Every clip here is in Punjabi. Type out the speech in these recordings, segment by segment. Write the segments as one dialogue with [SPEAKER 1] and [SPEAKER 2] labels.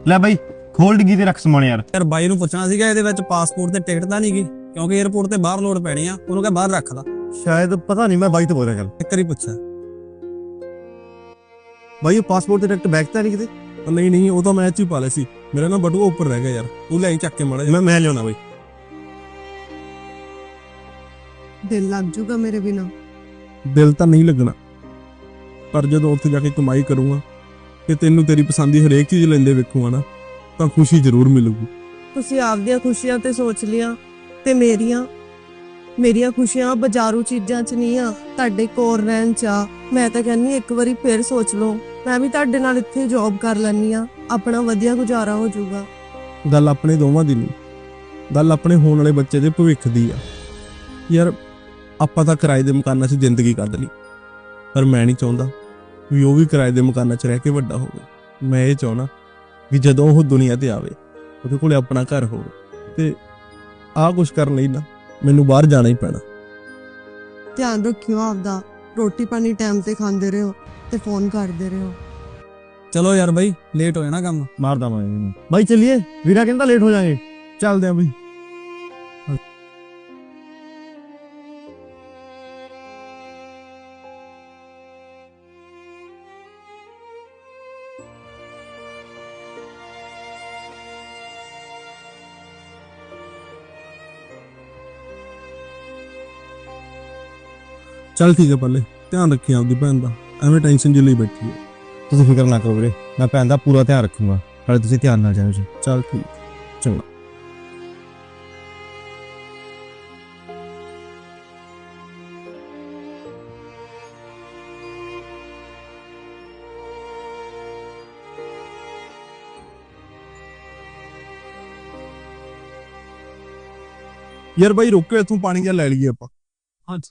[SPEAKER 1] ਲੈ ਬਾਈ ਖੋਲ ਡਿੱਗੀ ਤੇ ਰੱਖ ਸਮਾਨ ਯਾਰ।
[SPEAKER 2] ਯਾਰ ਬਾਈ ਨੂੰ ਪੁੱਛਣਾ ਸੀਗਾ ਇਹਦੇ ਵਿੱਚ ਪਾਸਪੋਰਟ ਤੇ ਟਿਕਟ ਤਾਂ ਨਹੀਂ ਗਈ, ਕਿਉਂਕਿ 에어ਪੋਰਟ ਤੇ ਬਾਹਰ ਲੋੜ ਪੈਣੀ ਆ। ਉਹਨੂੰ ਕਹ ਬਾਹਰ ਰੱਖ ਲਾ।
[SPEAKER 3] ਸ਼ਾਇਦ ਪਤਾ ਨਹੀਂ, ਮੈਂ ਬਾਈ ਤੋਂ ਬੋਲ ਰਿਹਾ। ਚੱਲ
[SPEAKER 2] ਇੱਕ ਵਾਰੀ ਪੁੱਛਿਆ
[SPEAKER 3] ਬਾਈ, ਉਹ ਪਾਸਪੋਰਟ ਤੇ ਟਿਕਟ ਬੈਗ ਤਾਂ ਨਹੀਂ ਕਿਤੇ?
[SPEAKER 4] ਨਹੀਂ ਉਹ ਤਾਂ ਮੈਂ ਚ ਹੀ ਪਾ ਲਿਆ ਸੀ। ਮੇਰਾ ਨਾ ਬਟੂਆ ਉੱਪਰ ਰਹਿ ਗਿਆ ਯਾਰ, ਤੂੰ ਲੈ ਚੱਕ ਕੇ ਮਾੜਾ ਜਿਹਾ।
[SPEAKER 3] ਮੈਂ ਲਿਆਉਣਾ ਬਾਈ।
[SPEAKER 5] ਦਿਲ ਲੱਗ ਜੂਗਾ ਮੇਰੇ ਬਿਨਾ।
[SPEAKER 4] ਦਿਲ ਤਾਂ ਨਹੀਂ ਲੱਗਣਾ, ਪਰ ਜਦੋਂ ਉੱਥੇ ਜਾ ਕੇ ਕਮਾਈ ਕਰੂੰਗਾ ਤੇ ਤੈਨੂੰ ਤੇਰੀ ਪਸੰਦ ਦੀ ਹਰੇਕ ਚੀਜ਼ ਲੈਂਦੇ ਵੇਖੂਗਾ ਨਾ, ਤਾਂ ਖੁਸ਼ੀ ਜ਼ਰੂਰ ਮਿਲੂਗੀ।
[SPEAKER 5] ਤੁਸੀਂ ਆਪਦੀਆਂ ਖੁਸ਼ੀਆਂ ਤੇ ਸੋਚ ਲਿਆ, ਤੇ ਮੇਰੀਆਂ ਖੁਸ਼ੀਆਂ ਬਾਜ਼ਾਰੂ ਚੀਜ਼ਾਂ 'ਚ ਨਹੀਂ ਆ, ਤੁਹਾਡੇ ਕੋਲ ਰਹਿਣ 'ਚ ਆ। ਮੈਂ ਤਾਂ ਕਹਿੰਦੀ ਇੱਕ ਵਾਰੀ ਫੇਰ ਸੋਚ ਲਓ, ਮੈਂ ਵੀ ਤੁਹਾਡੇ ਨਾਲ ਇੱਥੇ ਜੌਬ ਕਰ ਲੈਣੀ ਆ, ਆਪਣਾ ਵਧੀਆ ਗੁਜ਼ਾਰਾ ਹੋ ਜਾਊਗਾ।
[SPEAKER 4] ਗੱਲ ਆਪਣੇ ਦੋਵਾਂ ਦੀ ਨਹੀਂ, ਗੱਲ ਆਪਣੇ ਹੋਣ ਵਾਲੇ ਬੱਚੇ ਦੇ ਭਵਿੱਖ ਦੀ ਆ। ਯਾਰ ਆਪਾਂ ਤਾਂ ਕਿਰਾਏ ਦੇ ਮਕਾਨਾਂ 'ਚ ਜ਼ਿੰਦਗੀ ਕੱਢ ਲਈ, ਪਰ ਮੈਂ ਨਹੀਂ ਚਾਹੁੰਦਾ ਵੀ ਉਹ ਵੀ ਕਿਰਾਏ ਦੇ ਮਕਾਨਾਂ 'ਚ ਰਹਿ ਕੇ ਵੱਡਾ ਹੋਵੇ। ਮੈਂ ਇਹ ਚਾਹੁੰਦਾ ਵੀ ਜਦੋਂ ਉਹ ਦੁਨੀਆ ਤੇ ਆਵੇ ਉਹਦੇ ਕੋਲੇ ਆਪਣਾ ਘਰ ਹੋਵੇ, ਤੇ ਆਹ ਕੁਛ ਕਰਨ ਲਈ ਨਾ ਮੈਨੂੰ ਬਾਹਰ ਜਾਣਾ ਹੀ ਪੈਣਾ।
[SPEAKER 5] ਧਿਆਨ ਰੱਖਿਓ ਆਪਦਾ, ਰੋਟੀ ਪਾਣੀ ਟਾਈਮ ਤੇ ਖਾਂਦੇ ਰਹੋ ਤੇ ਫੋਨ ਕਰਦੇ ਰਹੋ।
[SPEAKER 2] ਚਲੋ ਯਾਰ ਬਾਈ, ਲੇਟ ਹੋ ਜਾਣਾ ਕੰਮ।
[SPEAKER 3] ਮਾਰਦਾ ਮੈਂ ਬਾਈ, ਚੱਲੀਏ। ਵੀਰਾ ਕਹਿੰਦਾ ਲੇਟ ਹੋ ਜਾਾਂਗੇ।
[SPEAKER 4] ਚੱਲਦੇ ਆ ਬਈ। ਚੱਲ ਠੀਕ ਹੈ, ਪਹਿਲੇ ਧਿਆਨ ਰੱਖੀ ਆਪਦੀ ਭੈਣ ਦਾ, ਐਵੇਂ ਟੈਨਸ਼ਨ ਜਿਹੀ ਲਈ ਬੈਠੀ ਹੈ।
[SPEAKER 3] ਤੁਸੀਂ ਫਿਕਰ ਨਾ ਕਰੋ ਵੀਰੇ, ਮੈਂ ਭੈਣ ਦਾ ਪੂਰਾ ਧਿਆਨ ਰੱਖੂੰਗਾ। ਨਾਲੇ ਤੁਸੀਂ ਧਿਆਨ ਨਾਲ ਜਾਇਓ ਜੀ।
[SPEAKER 4] ਚੱਲ ਠੀਕ, ਚੰਗਾ। ਯਾਰ ਬਾਈ ਰੁਕੋ, ਇੱਥੋਂ ਪਾਣੀ ਜਿਹਾ ਲੈ ਲਈਏ ਆਪਾਂ।
[SPEAKER 2] ਹਾਂਜੀ।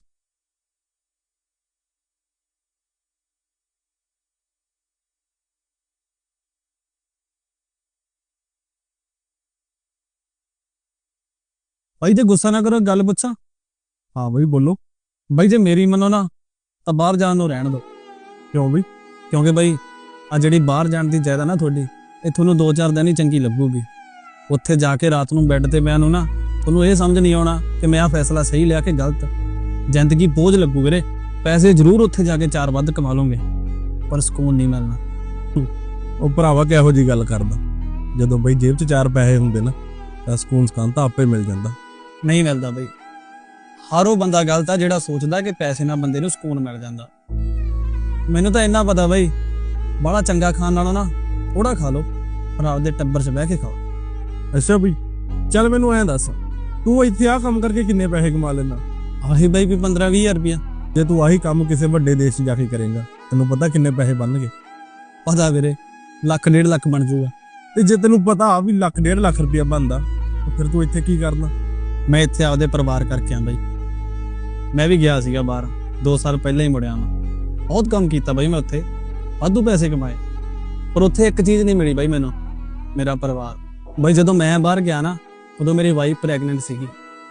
[SPEAKER 2] ਬਾਈ ਜੇ ਗੁੱਸਾ ਨਾ ਕਰੋ, ਗੱਲ ਪੁੱਛਾਂ?
[SPEAKER 4] ਹਾਂ ਬਾਈ ਬੋਲੋ।
[SPEAKER 2] ਬਾਈ ਜੇ ਮੇਰੀ ਮੰਨੋ ਨਾ, ਤਾਂ ਬਾਹਰ ਜਾਣ ਨੂੰ ਰਹਿਣ ਦਿਓ।
[SPEAKER 4] ਕਿਉਂ ਬਈ?
[SPEAKER 2] ਕਿਉਂਕਿ ਬਾਈ ਆ ਜਿਹੜੀ ਬਾਹਰ ਜਾਣ ਦੀ ਚਾਹੀਦਾ ਨਾ ਤੁਹਾਡੀ, ਇਹ ਤੁਹਾਨੂੰ 2-4 ਦਿਨ ਹੀ ਚੰਗੀ ਲੱਗੂਗੀ। ਉੱਥੇ ਜਾ ਕੇ ਰਾਤ ਨੂੰ ਬੈੱਡ ਤੇ ਪਿਆ ਨੂੰ ਨਾ, ਤੁਹਾਨੂੰ ਇਹ ਸਮਝ ਨਹੀਂ ਆਉਣਾ ਕਿ ਮੈਂ ਆਹ ਫੈਸਲਾ ਸਹੀ ਲਿਆ ਕਿ ਗਲਤ। ਜ਼ਿੰਦਗੀ ਬੋਝ ਲੱਗੂ ਵੀਰੇ। ਪੈਸੇ ਜ਼ਰੂਰ ਉੱਥੇ ਜਾ ਕੇ 4 ਵੱਧ ਕਮਾ ਲਓਗੇ, ਪਰ ਸਕੂਨ ਨਹੀਂ ਮਿਲਣਾ।
[SPEAKER 4] ਉਹ ਭਰਾਵਾ ਕਿਹੋ ਜੀ ਗੱਲ ਕਰਦਾ, ਜਦੋਂ ਬਈ ਜੇਬ 'ਚ 4 ਪੈਸੇ ਹੁੰਦੇ ਨਾ, ਤਾਂ ਸਕੂਨ ਸਕਾਨ ਤਾਂ ਆਪੇ ਮਿਲ ਜਾਂਦਾ।
[SPEAKER 2] ਨਹੀਂ ਮਿਲਦਾ ਬਈ। ਹਰ ਉਹ ਬੰਦਾ ਗਲਤ ਆ ਜਿਹੜਾ ਸੋਚਦਾ ਕਿ ਪੈਸੇ ਨਾਲ ਬੰਦੇ ਨੂੰ ਸਕੂਨ ਮਿਲ ਜਾਂਦਾ। ਮੈਨੂੰ ਤਾਂ ਇੰਨਾ ਪਤਾ ਬਈ, ਬੜਾ ਚੰਗਾ ਖਾਣ ਨਾਲੋਂ ਨਾ ਥੋੜਾ ਖਾ ਲਓ, ਪਰ ਆਪਦੇ ਟੱਬਰ 'ਚ ਬਹਿ ਕੇ ਖਾਓ।
[SPEAKER 4] ਅੱਛਾ ਬਈ, ਚੱਲ ਮੈਨੂੰ ਐਂ ਦੱਸ, ਤੂੰ ਇੱਥੇ ਆਹ ਕੰਮ ਕਰਕੇ ਕਿੰਨੇ ਪੈਸੇ ਕਮਾ ਲੈਂਦਾ?
[SPEAKER 2] ਆਹੀ ਬਈ ਵੀ 15-20 ਰੁਪਇਆ।
[SPEAKER 4] ਜੇ ਤੂੰ ਆਹੀ ਕੰਮ ਕਿਸੇ ਵੱਡੇ ਦੇਸ਼ 'ਚ ਜਾ ਕੇ ਕਰੇਗਾ, ਤੈਨੂੰ ਪਤਾ ਕਿੰਨੇ ਪੈਸੇ ਬਣਨਗੇ?
[SPEAKER 2] ਪਤਾ ਵੀਰੇ, 1-1.5 ਲੱਖ ਬਣ ਜਾਊਗਾ।
[SPEAKER 4] ਤੇ ਜੇ ਤੈਨੂੰ ਪਤਾ ਵੀ 1.5 ਲੱਖ ਰੁਪਇਆ ਬਣਦਾ, ਤਾਂ ਫਿਰ ਤੂੰ ਇੱਥੇ ਕੀ ਕਰਨਾ?
[SPEAKER 2] ਮੈਂ ਇੱਥੇ ਆਪਦੇ ਪਰਿਵਾਰ ਕਰਕੇ ਆ ਬਈ। ਮੈਂ ਵੀ ਗਿਆ ਸੀਗਾ ਬਾਹਰ 2 ਸਾਲ ਪਹਿਲਾਂ ਹੀ ਮੁੜਿਆ ਵਾਂ। ਬਹੁਤ ਕੰਮ ਕੀਤਾ ਬਈ ਮੈਂ ਉੱਥੇ, ਵਾਧੂ ਪੈਸੇ ਕਮਾਏ, ਪਰ ਉੱਥੇ ਇੱਕ ਚੀਜ਼ ਨਹੀਂ ਮਿਲੀ ਬਈ ਮੈਨੂੰ, ਮੇਰਾ ਪਰਿਵਾਰ। ਬਈ ਜਦੋਂ ਮੈਂ ਬਾਹਰ ਗਿਆ ਨਾ, ਉਦੋਂ ਮੇਰੀ ਵਾਈਫ ਪ੍ਰੈਗਨੈਂਟ ਸੀਗੀ।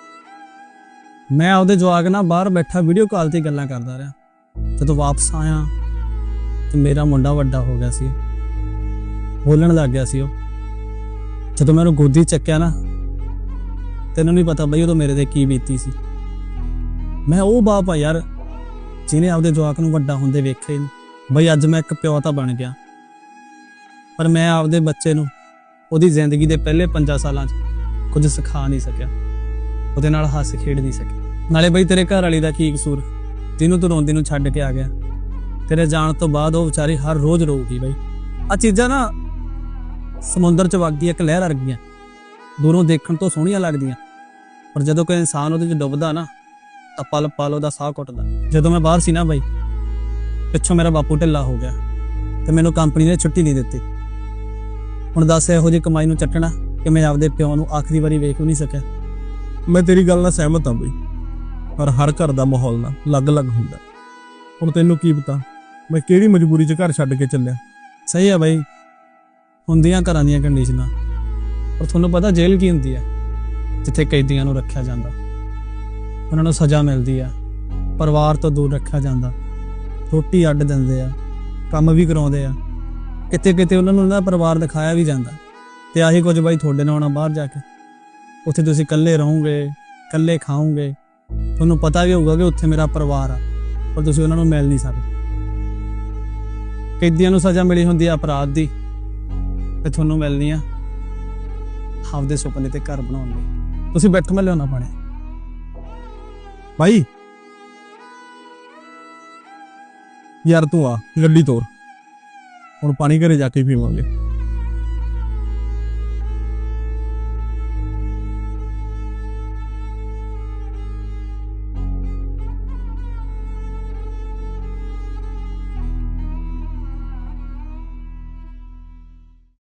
[SPEAKER 2] ਮੈਂ ਆਪਦੇ ਜਵਾਕ ਨਾਲ ਬਾਹਰ ਬੈਠਾ ਵੀਡੀਓ ਕਾਲ ਤੇ ਗੱਲਾਂ ਕਰਦਾ ਰਿਹਾ। ਜਦੋਂ ਵਾਪਸ ਆਇਆ ਤੇ ਮੇਰਾ ਮੁੰਡਾ ਵੱਡਾ ਹੋ ਗਿਆ ਸੀ, ਬੋਲਣ ਲੱਗ ਗਿਆ ਸੀ ਉਹ। ਜਦੋਂ ਮੈਂ ਉਹਨੂੰ ਗੋਦੀ ਚੱਕਿਆ ਨਾ, ਤੈਨੂੰ ਨਹੀਂ ਪਤਾ ਬਈ ਉਦੋਂ ਮੇਰੇ ਤੇ ਕੀ ਬੀਤੀ ਸੀ। ਮੈਂ ਉਹ ਬਾਪ ਆ ਯਾਰ ਜਿਹਨੇ ਆਪਦੇ ਜਵਾਕ ਨੂੰ ਵੱਡਾ ਹੁੰਦੇ ਵੇਖੇ ਨਹੀਂ। ਬਈ ਅੱਜ ਮੈਂ ਇੱਕ ਪਿਓ ਤਾਂ ਬਣ ਗਿਆ, ਪਰ ਮੈਂ ਆਪਦੇ ਬੱਚੇ ਨੂੰ ਉਹਦੀ ਜ਼ਿੰਦਗੀ ਦੇ ਪਹਿਲੇ 5 ਸਾਲਾਂ 'ਚ ਕੁਝ ਸਿਖਾ ਨਹੀਂ ਸਕਿਆ, ਉਹਦੇ ਨਾਲ ਹੱਸ ਖੇਡ ਨਹੀਂ ਸਕਿਆ। ਨਾਲੇ ਬਈ ਤੇਰੇ ਘਰ ਵਾਲੀ ਦਾ ਕੀ ਕਸੂਰ, ਜਿਹਨੂੰ ਤੂੰ ਰੋਂਦੀ ਨੂੰ ਛੱਡ ਕੇ ਆ ਗਿਆ? ਤੇਰੇ ਜਾਣ ਤੋਂ ਬਾਅਦ ਉਹ ਵਿਚਾਰੀ ਹਰ ਰੋਜ਼ ਰੋਊਗੀ ਬਈ। ਆ ਚੀਜ਼ਾਂ ਨਾ ਸਮੁੰਦਰ 'ਚ ਵਗਦੀ ਇੱਕ ਲਹਿਰ ਵਰਗੀਆਂ, ਦੂਰੋਂ ਦੇਖਣ ਤੋਂ ਸੋਹਣੀਆਂ ਲੱਗਦੀਆਂ, ਪਰ ਜਦੋਂ ਕੋਈ ਇਨਸਾਨ ਉਹਦੇ 'ਚ ਡੁੱਬਦਾ ਨਾ, ਤਾਂ ਪਲ ਪਲ ਉਹਦਾ ਸਾਹ ਘੁੱਟਦਾ। ਜਦੋਂ ਮੈਂ ਬਾਹਰ ਸੀ ਨਾ ਬਈ, ਪਿੱਛੋਂ ਮੇਰਾ ਬਾਪੂ ਢਿੱਲਾ ਹੋ ਗਿਆ ਤੇ ਮੈਨੂੰ ਕੰਪਨੀ ਨੇ ਛੁੱਟੀ ਨਹੀਂ ਦਿੱਤੀ। ਹੁਣ ਦੱਸ ਇਹੋ ਜਿਹੀ ਕਮਾਈ ਨੂੰ ਚੱਟਣਾ ਕਿ ਮੈਂ ਆਪਦੇ ਪਿਓ ਨੂੰ ਆਖਰੀ ਵਾਰੀ ਵੇਖ ਵੀ ਨਹੀਂ ਸਕਿਆ।
[SPEAKER 4] ਮੈਂ ਤੇਰੀ ਗੱਲ ਨਾਲ ਸਹਿਮਤ ਹਾਂ ਬਈ, ਪਰ ਹਰ ਘਰ ਦਾ ਮਾਹੌਲ ਨਾ ਅਲੱਗ-ਅਲੱਗ ਹੁੰਦਾ। ਹੁਣ ਤੈਨੂੰ ਕੀ ਪਤਾ ਮੈਂ ਕਿਹੜੀ ਮਜਬੂਰੀ 'ਚ ਘਰ ਛੱਡ ਕੇ ਚੱਲਿਆ।
[SPEAKER 2] ਸਹੀ ਆ ਬਈ, ਹੁੰਦੀਆਂ ਘਰਾਂ ਦੀਆਂ ਕੰਡੀਸ਼ਨਾਂ, ਪਰ ਤੁਹਾਨੂੰ ਪਤਾ ਜੇਲ੍ਹ ਕੀ ਹੁੰਦੀ ਹੈ? ਜਿੱਥੇ ਕੈਦੀਆਂ ਨੂੰ ਰੱਖਿਆ ਜਾਂਦਾ, ਉਹਨਾਂ ਨੂੰ ਸਜ਼ਾ ਮਿਲਦੀ ਆ, ਪਰਿਵਾਰ ਤੋਂ ਦੂਰ ਰੱਖਿਆ ਜਾਂਦਾ, ਰੋਟੀ ਅੱਡ ਦਿੰਦੇ ਆ, ਕੰਮ ਵੀ ਕਰਾਉਂਦੇ ਆ, ਕਿਤੇ ਕਿਤੇ ਉਹਨਾਂ ਨੂੰ ਉਹਨਾਂ ਦਾ ਪਰਿਵਾਰ ਦਿਖਾਇਆ ਵੀ ਜਾਂਦਾ। ਤੇ ਆਹੀ ਕੁਝ ਬਾਈ ਤੁਹਾਡੇ ਨਾਲ ਹੋਣਾ ਬਾਹਰ ਜਾ ਕੇ। ਉੱਥੇ ਤੁਸੀਂ ਇਕੱਲੇ ਰਹੋਗੇ, ਇਕੱਲੇ ਖਾਓਗੇ, ਤੁਹਾਨੂੰ ਪਤਾ ਵੀ ਹੋਊਗਾ ਕਿ ਉੱਥੇ ਮੇਰਾ ਪਰਿਵਾਰ ਆ, ਪਰ ਤੁਸੀਂ ਉਹਨਾਂ ਨੂੰ ਮਿਲ ਨਹੀਂ ਸਕਦੇ। ਕੈਦੀਆਂ ਨੂੰ ਸਜ਼ਾ ਮਿਲੀ ਹੁੰਦੀ ਆ ਅਪਰਾਧ ਦੀ, ਤੇ ਤੁਹਾਨੂੰ ਮਿਲਣੀ ਆ ਆਪਦੇ ਸੁਪਨੇ ਤੇ ਘਰ ਬਣਾਉਣ ਲਈ। ਤੁਸੀਂ ਬੈਠੋ, ਮੈਂ ਲਿਆਉਣਾ ਪਾਣੀ।
[SPEAKER 4] ਭਾਈ ਯਾਰ ਤੂੰ ਆ ਗੱਡੀ ਤੋਰ, ਹੁਣ ਪਾਣੀ ਘਰੇ ਜਾ ਕੇ ਪੀਵਾਂਗੇ।